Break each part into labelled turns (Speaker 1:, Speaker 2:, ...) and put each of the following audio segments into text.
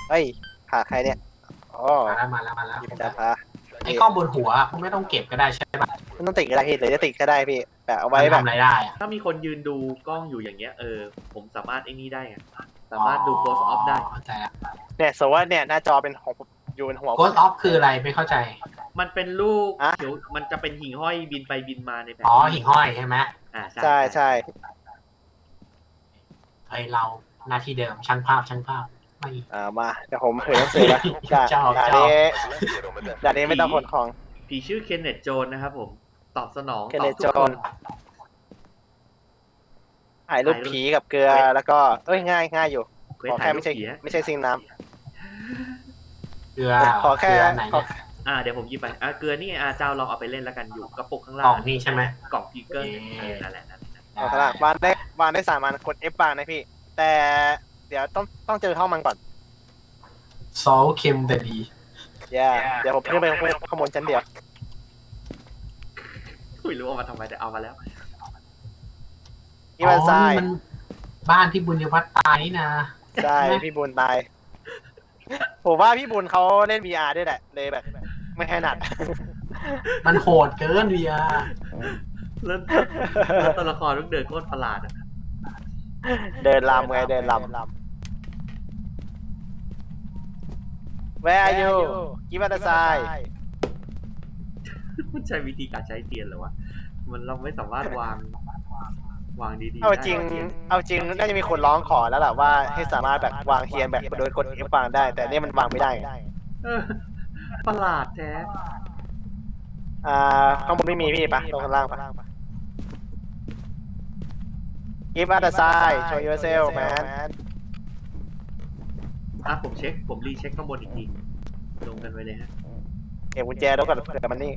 Speaker 1: เฮ้ยหาใครเนี่ยอ๋อ
Speaker 2: มาแล้ว
Speaker 1: พี่จะพา
Speaker 2: ไอ้กล้องบนหัวไม่ต้องเก็บก็ได้ใช่ปะ
Speaker 1: ไม่ต้องติดก็ได้พี่หรือจะติดก็ได้พี่แบบเอาไว้
Speaker 2: มัน
Speaker 1: แบบ
Speaker 2: ทำอะไรได้อะ
Speaker 3: ถ้ามีคนยืนดูกล้องอยู่อย่างเงี้ยผมสามารถไอ้นี่ได้ไงสามารถดู close off ได้
Speaker 2: เข้าใจละ
Speaker 1: เนี่ยสมมติว่าเนี่ยหน้าจอเป็นของอยู่บนหัว
Speaker 2: โกสออฟคืออะไรไม่เข้าใจ
Speaker 3: มันเป็นลูก
Speaker 1: อะ
Speaker 3: เขียวมันจะเป็นหิ่งห้อยบินไปบินมาในแผน
Speaker 2: อ๋อหิ่งห้อยใช่ไหม
Speaker 1: ใช่ใช่
Speaker 2: ไอเราหน้าที่เดิมช่างภาพไม่
Speaker 1: มาเดี๋ยวผมเผยหนังสือแล้วด่า
Speaker 2: ชอบ
Speaker 1: ด่า
Speaker 2: ชอบ
Speaker 1: นี้ด่านี้ไม่ต้องขนของ
Speaker 3: ผีชื่อเคนเนตโจนนะครับผมตอบสนอง
Speaker 1: เคน
Speaker 3: ต
Speaker 1: เน
Speaker 3: อ
Speaker 1: ต
Speaker 3: บทุ
Speaker 1: โจ
Speaker 3: กคน น
Speaker 1: ถ่ายรูปผีกับเกลือแล้วก็ง่ายอยู่
Speaker 3: เควส
Speaker 1: ขอ
Speaker 3: ถ่า
Speaker 1: แค่
Speaker 3: ยรู
Speaker 1: ไม่
Speaker 3: ป
Speaker 1: ใช่
Speaker 3: ผีอะ
Speaker 1: ไม่ใช่ซิงน้
Speaker 2: เกลือ
Speaker 1: ำขอแค่
Speaker 2: เกลือไหน
Speaker 1: ขอ
Speaker 2: เนี่ย
Speaker 3: เดี๋ยวผมหยิบไปเกลือนี่เจ้าลองเอาไปเล่นแล้วกันอยู่กระปุกข้าง
Speaker 2: กล่
Speaker 3: ล่า
Speaker 2: อง งนี่ใช่ไหม
Speaker 3: กล่องพีเกิล
Speaker 2: เย้
Speaker 3: นั่นแหละ
Speaker 1: ขอขนาดวางได้3 อันกด F วางนะพี่ แต่เดี๋ยวต้องเจอห้องมันก่อน
Speaker 2: ซอลเค็มแต่ดี
Speaker 1: เดี๋ยวผมขึ้นไปข้างบนชั้นเดียว
Speaker 3: ไม่รู้เอามาทำไมแต่เอามาแล้ว
Speaker 1: นี่มันทราย
Speaker 2: มันบ้านที่บุญยวัฒน์ตายนี่นะ
Speaker 1: ใช่พี่บุญตายผมว่าพี่บุญเขาเล่น VR ด้วยแหละเลยแบบ ไม่ถนัด
Speaker 2: มันโหดเกินเวีย
Speaker 3: แล้วตัวละครต้องเดินโคตรประหลาดอะ
Speaker 1: เดินลำไงเดินลำ Where are you กิฟต์อัตไซ
Speaker 3: มันใช้วิธีการใช้เตียนเหรอวะมันเราไม่สามารถวางดีๆ
Speaker 1: เอา
Speaker 3: ได้
Speaker 1: จริงน่าจะมีคนร้องขอแล้วแหละว่าให้สามารถแบบวางเทียนแบบโดยกด F วางได้ แต่นี่มันวางไม่ได้
Speaker 3: เออประหลาดแท้
Speaker 1: ข้างบนไม่มีพี่ปะลงข้างล่างปะ Give us a sign show yourself man
Speaker 3: ผมรีเช็คข้างบนอีกทีลงกันไว้เลยฮะ
Speaker 1: เก็บกุญแจแล้วก่อนเผื่อมันนี่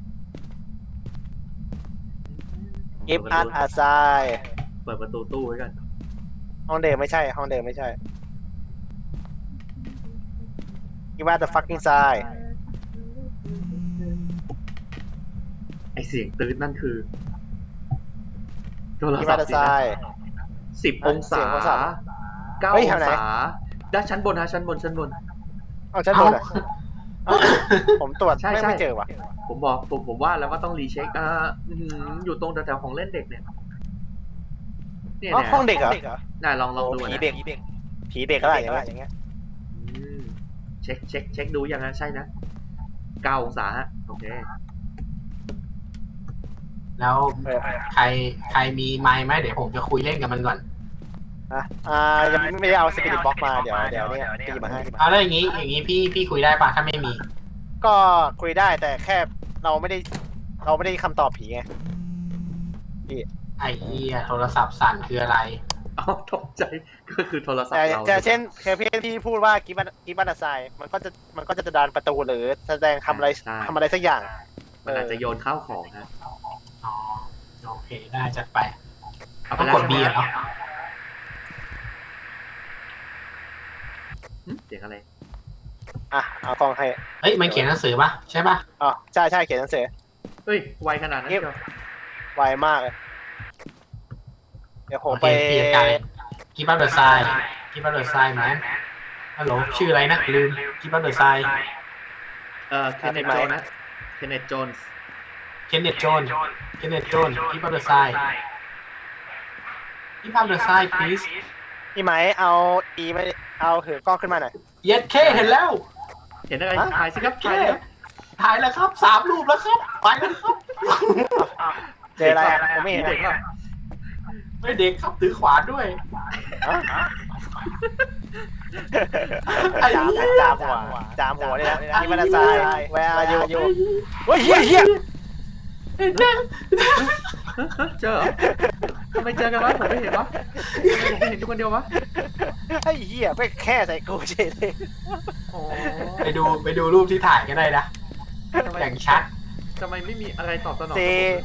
Speaker 1: Give us a sign
Speaker 3: เปิดประตูตู้ไว้กัน
Speaker 1: ห้องเดิมไม่ใช่ ห้องเดิมไม่ใช่ Give us the fucking sign
Speaker 3: ไอเสียงตื้นนั่นคือโทร
Speaker 1: Give
Speaker 3: ศั
Speaker 1: us
Speaker 3: พ
Speaker 1: the
Speaker 3: ท์สินะ
Speaker 1: sign
Speaker 3: 10 องศา
Speaker 1: เสียงโทรศัพท์
Speaker 3: 9
Speaker 1: เฮ้
Speaker 3: อย ง
Speaker 1: แถวไหน
Speaker 3: ศาด้านชั้นบนฮะชั้นบน
Speaker 1: เอาชั้นบนเหรอเอ้าผมตรวจ
Speaker 3: ใช่
Speaker 1: ไม่เจอว่ะ
Speaker 3: ผมว่าแล้วว่าต้องรีเช็คอยู่ตรงแถวๆของเล่นเด็กเนี่ยเนี่ย
Speaker 1: อ๋อ
Speaker 3: นะ
Speaker 1: ห้องเด็กเหรอ
Speaker 3: น่าลองดู
Speaker 1: ผี
Speaker 3: นะ
Speaker 1: เด็กผีเด็กอะไรอย่างเงี้ย
Speaker 3: อืมเช็คดูยังนะใช่นะ9 องศาฮะโอเค
Speaker 2: แล้วใครมีไมค์ไหมเดี๋ยวผมจะคุยเล่นกับมันก่อน
Speaker 1: ยังไม่ได้เอาสปิริตบ็อกมาเดี๋ยวเนี่ยตีมาให้
Speaker 2: เอาแล้วอย่างนี้พี่คุยได้ปะถ้าไม่มี
Speaker 1: ก็คุยได้แต่แค่เราไม่ได้คำตอบผีไง
Speaker 2: ไอ้เหี้ยโทรศัพท์สั่นคืออะไร
Speaker 3: เอาตกใจก็คือโทรศัพท์
Speaker 1: แต่
Speaker 3: เรา
Speaker 1: แต่เช่นเคยพี่พูดว่ากิฟต์อัตไซมันก็จะดันประตูหรือแสดงทำอะไรสักอย่าง
Speaker 3: มันอาจจะโยนข้าวของฮะ
Speaker 2: อ๋อโอเคได้จัดไป
Speaker 3: เอาไป
Speaker 2: ต้อง
Speaker 3: แล้ว
Speaker 2: กด B
Speaker 3: ใช่ไหม
Speaker 2: เนาะ
Speaker 3: เสียงอะไร
Speaker 1: เอากล้องให้
Speaker 2: เฮ้ยมันเขียนหนังสือปะใช่ปะ
Speaker 1: อ๋อใช่เขียนหนังสือ
Speaker 3: เฮ้ยไวขนาดนั้นเชียว
Speaker 1: ไวมากเลยเดี๋ยวผม
Speaker 2: โอเค
Speaker 1: ไป
Speaker 2: พี่จัดการเลยกิฟต์อัพเดอะไซน์กิฟต์อัพเดอะไซน์แมนฮัลโหลชื่ออะไรนะลืมกิฟต์อัพเดอะไซน์
Speaker 3: เคนเนตโจนนะเคนเนตโจนส์
Speaker 2: เคนเนตโจนกิฟต์อัพเดอะไซน์กิฟต์อัพเดอะไซน์ please
Speaker 1: พี่ไหมเอาไม่เอาถือกล้องขึ้นมาหน่อย
Speaker 2: เย็ดเคเห็นแล้ว
Speaker 3: เห็นอะไร
Speaker 1: ฮะ
Speaker 3: ถ่ายสิครับ
Speaker 2: เค
Speaker 3: ถ่ายสิครับ
Speaker 2: ถ่ายแล้วครับ3 รูปแล้วครับไปแล้วครับ
Speaker 1: เจออะไรผมไม่เห็น
Speaker 3: เด็กว่า
Speaker 2: ไม่เด็กครับถือขวานด้วย ไอ้เหี้ย
Speaker 1: จามหัวเนี่ยนะกิฟต์อัตไซแวร์อายุเฮ้ยเฮีย
Speaker 2: เห็นแล้ว
Speaker 3: เจอเหรอทำไมเจอกันวะผมไม่เห็นวะผมไม่เห็นทุกคนเดียววะ
Speaker 1: ไอ้เหี้ยไปแค่ใส่กูเฉยเลย
Speaker 3: โอ้
Speaker 2: ไปดูรูปที่ถ่ายก็ได้นะ
Speaker 3: ทำไม
Speaker 2: อย่างชัด
Speaker 3: ทำไมไม่มีอะไรตอบสนอง
Speaker 1: เซ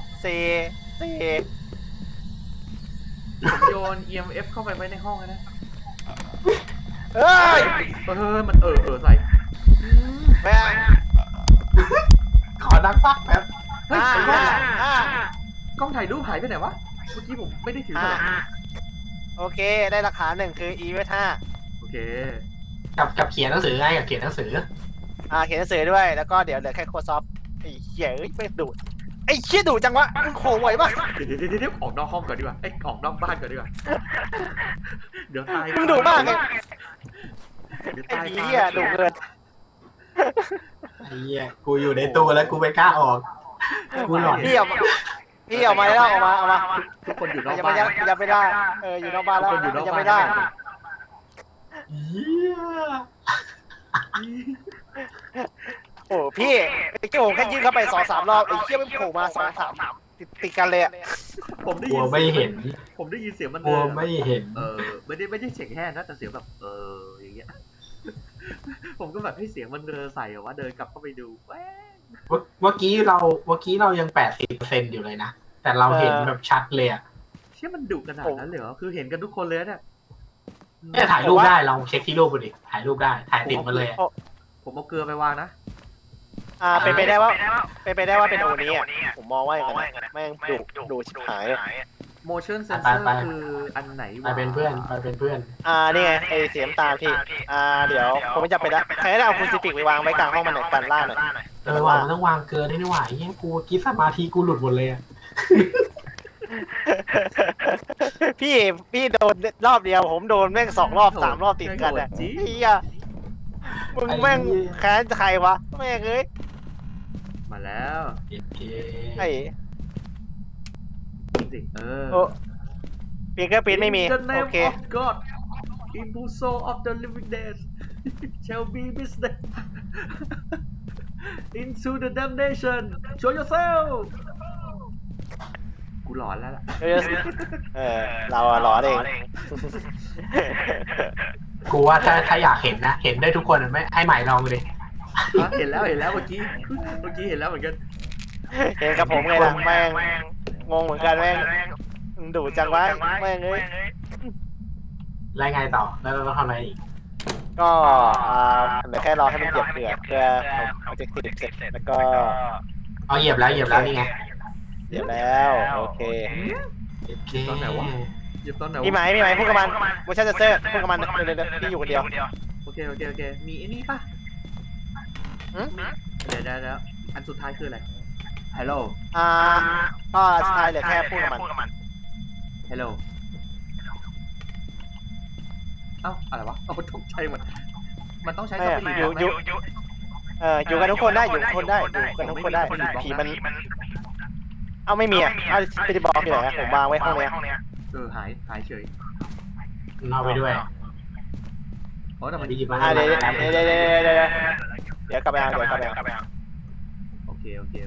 Speaker 3: ผมโยน EMF เข้าไปไว้ในห้องนะ
Speaker 1: เอ้ย
Speaker 3: มันใส่
Speaker 1: แม่ง
Speaker 2: ขอดังปักแบบ
Speaker 3: เฮ้ยไอ้กล้อง
Speaker 1: อ่าก
Speaker 3: ล้องถ่ายรูปหายไปไหนวะ เมื่อกี้ผมไม่ได้ถือมา
Speaker 1: โอเคได้หลักฐาน1คือ E เวท5
Speaker 3: โอเค
Speaker 2: กับเขียนหนังสือไงกับเขียนหนังสือ
Speaker 1: เขียนหนังสือด้วยแล้วก็เดี๋ยวเหลือแค่โค้ดซอฟไอ้เหี้ยเอ้ยไม่ดูดไอ้เหี้ยดูดจังวะมึงโขไหวปะ
Speaker 3: เดี๋ยวออกนอกห้องก่อนดีกว่าออกนอกบ้านก่อนดีกว่าเดี๋ยวตาย
Speaker 1: มึงดูดมากเลย
Speaker 3: เดี๋ยว
Speaker 1: ไอ้
Speaker 3: ตาย
Speaker 1: เหี้ยดูดเกิน
Speaker 2: ไอ้เหี้ยกูอยู่ในตู้แล้วกูไม่กล้าออกกูหลอน
Speaker 1: พี่ออกมาแล้วออกมา
Speaker 3: ทุกคนอยู่นอก
Speaker 1: ยัง
Speaker 3: บ้า
Speaker 1: ไม่
Speaker 3: น
Speaker 1: ยังไม่ได้อยู่นอกบ้านแล้ว
Speaker 3: ทุกคนอยู่นอก
Speaker 1: ยัง
Speaker 3: บ้าน
Speaker 1: ไม่ได้
Speaker 2: เหี้ย
Speaker 1: โอ้พี่ไอ้เจ้าผมแค่ยื่นเข้าไป2-3 รอบไอ้เหี้ยมันโผล่มา2-3ติดกันเลยอะ
Speaker 3: ผมได้
Speaker 2: กลั
Speaker 3: ยิ
Speaker 2: วน ไม่เห็น
Speaker 3: ผมได้ยินเสียงมัน
Speaker 2: กลัวไม่เห็น
Speaker 3: ไม่ได้เสียงแห้งนะแต่เสียงแบบอย่างเงี้ย ผมก็แบบให้เสียงมันใส่ว่าเดินกลับเข้าไปดูแว้ง
Speaker 2: เมื่อกี้เรายัง80%อยู่เลยนะแต่เราเห็นแบบชัดเลยอะ
Speaker 3: เชื่อมันดุขนาดนั้นเลยเหรอคือเห็นกันทุกคนเลยเนี่ย
Speaker 2: เนี่ยถ่ายรูปได้ลองเช็คที่รูปดูดิถ่ายรูปได้ถ่ายติดมาเลยอะ
Speaker 3: ผมเอาเกลือไปวางนะ
Speaker 1: เป็นไปได้ว่าเป็นโอนี้อ่ะผมมองว่าอย่างนั้นแม่งดูชิบหาย
Speaker 3: motion sensor คืออันไหน
Speaker 2: ไปเป็นเพื่อนไปเป็นเพื่อน
Speaker 1: นี่ไงไอ้เสียมตาลพี่เดี๋ยวผมไม่จำเป็นละใครได้เอาคุณซิฟิกไปวางไว้กลางห้องมันหน่อยกันล่าหน่อย
Speaker 2: ว่ามันต้องวางเกินได้นี่หว่าไอ้เหี้ยกูคิดสมาธิกูหลุดหมดเลยอะ
Speaker 1: พี่โดนรอบเดียวผมโดนแม่ง2 รอบ 3 รอบติดกันอ่ะเฮียมึงแม่งแค้นใครวะแม่งเอ้ย
Speaker 3: มาแล้ว
Speaker 2: โอเค
Speaker 1: ไอ้
Speaker 3: สิ
Speaker 1: ฟิงเกอร์พิ้นไม่มี
Speaker 3: In the name
Speaker 1: โอเค
Speaker 3: of God Impulso of the living dead shall be business into the damnation show yourself กูหลอนแล้วล่ะ
Speaker 1: เราหลอนเอง
Speaker 2: กูว่าถ้าอยากเห็นนะเห็นได้ทุกคนอะไม่ให้ใหม่ลองดูดิ
Speaker 3: เห็นแล้วเมื่อกี้เห็นแล้วเหมือนกัน
Speaker 1: เห็นกับผมไงล่ะแม่งงงเหมือนกันแม่งดูจังวะแม่งเอ้ย
Speaker 2: แล้วไงต่อแล้วเราต้องทำอะไรอีก
Speaker 1: ก็เหลือแค่รอให้มันเหยียบเกลือเพื่อเอาจะติดเสร็จแล้วก็
Speaker 2: เอาเหยียบแล้วนี่ไง
Speaker 1: เหยียบแล้วโอเค
Speaker 2: โอเค
Speaker 3: ตอนไหนวะ หยิบตอนไหนวะ
Speaker 1: พี่ไหมพูดกับมันโมชั่นเซอร์พูดกับมันเดี๋ยวพี่อยู่คนเดียว
Speaker 3: โอเคมีไอ้นี่ป่ะ เดี๋ยวอันสุดท้ายคืออะไร Hello
Speaker 1: ก็สุดท้ายเหลือแค่พูดกับมัน
Speaker 3: Hello เอ้าอะไรวะเอาตกใจหมดมันต้องใช้สปีด
Speaker 1: อยู่กันทุกคนได้อยู่กันทุกคนได้ผีมันไม่มีสปิริตบ็อกอยู่ไหนผมวางไว้ห้องนี้
Speaker 3: หายเฉย
Speaker 2: เอาไปด้วย
Speaker 3: โอ้แต่มัน
Speaker 2: หยิบมา
Speaker 1: เดี๋ยวกลับไปเอา
Speaker 3: โอเค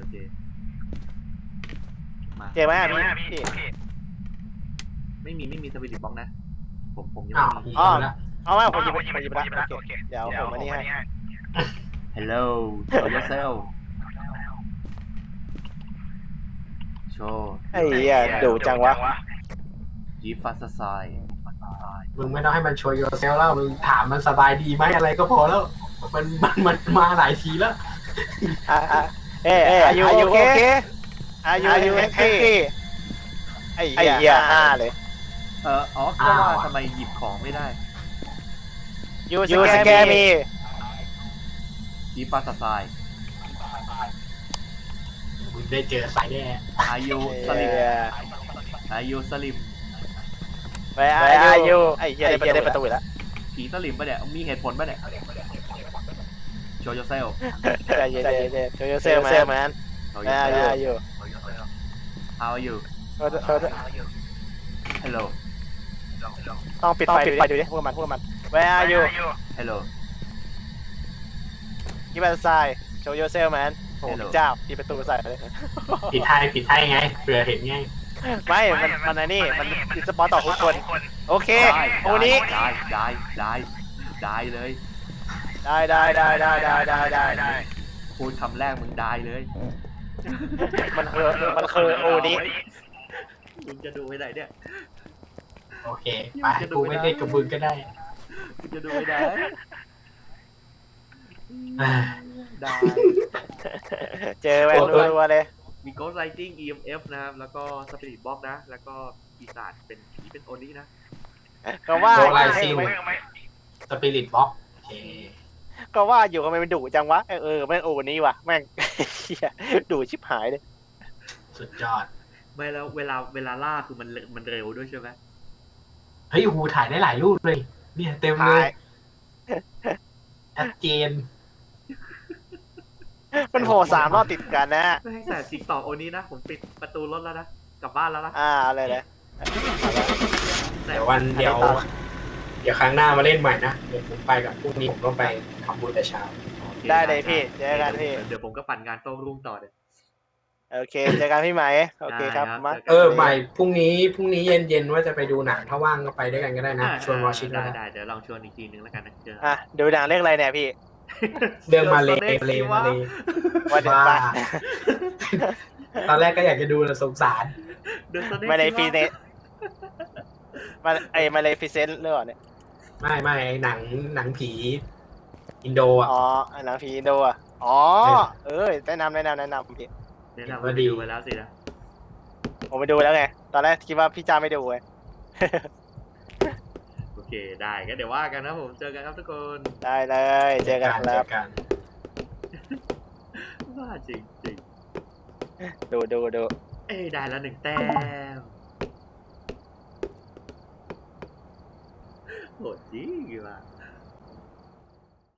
Speaker 3: มา
Speaker 1: เจอไหมพี่
Speaker 3: ไม่มีสปิริตบ็อกนะผมยัง
Speaker 2: อ้าว
Speaker 3: ไม่มี
Speaker 1: เอาไหมผมหยิบไปแล้วโอเคเดี๋ยวผมมานี่ให้
Speaker 3: Hello show yourself โชว์
Speaker 1: ไอ้เหี้ยดูจังวะ
Speaker 3: จีฟัสไซ
Speaker 2: มึงไม่ต้องให้มันโชว์โยเซลแล้วมึงถามมันสบายดีไหมอะไรก็พอแล้วมันมาหลายทีแล้ว
Speaker 1: อายุโอเคอายุแฮปปี้ไอ้เหี้ย5เลย
Speaker 3: ก็ว่าทำไมหยิบของไม่ได้
Speaker 1: ยูสแกมี
Speaker 3: จีฟัสไซ
Speaker 2: มึงได้เจอสายแน่
Speaker 3: อายุสลิม
Speaker 1: ไปอายุไอ้เหี้ยได้ประตูแล้ว
Speaker 3: ผีสลิมปะเนี่ยมีเหตุผลปะเนี่ย Show yourself
Speaker 1: ใจเย็นโชว์เซลแมน
Speaker 3: Show
Speaker 1: อายุ
Speaker 3: yourself How are you
Speaker 1: เ
Speaker 3: Hello
Speaker 1: ต้องปิดไฟดูดิพวกมัน Where are you
Speaker 3: Hello
Speaker 1: Give us a sign Show yourself man โอ้เจ้าปิดประตูใส่เลย
Speaker 2: ผิดให้ไงเผื่อเห็นไง
Speaker 1: ไม่มันนี่มันอิสปอร์ตต่อทุกคนโอเคโอนี้
Speaker 3: ได้เลย
Speaker 1: ได้
Speaker 3: พูดคำแรกมึงได้เลย
Speaker 1: มันคือโอนี้
Speaker 3: มึงจะดูไปไหนเนี่ย
Speaker 2: โอเคไปกูไม่ได้กับมึงก็ได้
Speaker 3: มึงจะดูไปไหนได้
Speaker 1: เจอแวนรัวเลย
Speaker 3: มี Ghost Lighting EMF นะครับแล้วก็ Spirit Box นะแล้วก็ปีศาจเป็นผีเป็นโอนี้นะ
Speaker 1: ก็ว่า
Speaker 2: โดไลซิลสปิริตบ็อกเค
Speaker 1: ก็ว่าอยู่ทำไมมันดุจังวะแม่งโอ้นี่วะแม่ง เหี้ยดุชิบหายเลย
Speaker 2: สุดยอด
Speaker 3: ไม่แล้วเวลาล่าคือมันเร็วด้วยใช่ไหม
Speaker 2: เฮ้ยโอ้โหถ่ายได้หลายรูปเลยเนี่ยเต็มเล
Speaker 1: ถ่าย
Speaker 2: ยชัดเจน
Speaker 1: มันโผล่3 รอบติดกันนะ
Speaker 3: ไม่ให้แต่จิกต่อโอนี้นะผมปิดประตูรถแล้วนะกลับบ้านแล้วนะ
Speaker 1: อะไรเลย
Speaker 2: เดี๋ยวเดี๋ยวครั้งหน้ามาเล่นใหม่นะเดี๋ยวผมไปกับพรุ่งนี้ผมต้องไปทำบุญแต่เช้า
Speaker 1: ได้เลยพี่เจอกันพี่
Speaker 3: เดี๋ยวผมก็ปั่นงานโต้รุ่งต่อเดี๋ยว
Speaker 1: โอเคเจอกันพี่ไหมโอเคครับ
Speaker 3: ได้ครับ
Speaker 1: มา
Speaker 3: เจอกัน
Speaker 2: ใหม่พรุ่งนี้เย็นว่าจะไปดูหนังถ้าว่างก็ไปด้วยกันก็ได้นะชวนวอชิตก็
Speaker 3: ได้
Speaker 2: ได้
Speaker 3: เดี๋ยวลองชวนอีกทีนึงแล้วกันนะเจอ
Speaker 1: ดูหนังเรื่องอะไรเนี่ยพี่
Speaker 2: เรื่องมาเลย
Speaker 1: ว่าเดี๋ยว
Speaker 2: ว่า
Speaker 1: มา
Speaker 2: ตอนแรกก็อยากจะดูแต่สงสาร
Speaker 1: มาเลยฟีเนสมาเลยฟิเซนหรือเปล่าเนี่ย
Speaker 2: ไม่หนังผีอินโดอ่ะ
Speaker 1: หนังผีอินโดแนะนำพี่
Speaker 3: แนะนำว่าดีไปแล้วสินะ
Speaker 1: ผมไปดูแล้วไงตอนแรกคิดว่าพี่จ้าไม่ดูไง
Speaker 3: โอเคได้ก็เดี๋ยวว่ากันนะผมเจอกันครับทุกคน
Speaker 1: ได้เลยเจอกันครับ
Speaker 2: เจอกัน
Speaker 3: ว่าจริงจริง
Speaker 1: ดู
Speaker 3: ได้แล้ว1 แต้มโหดจริงว่ะ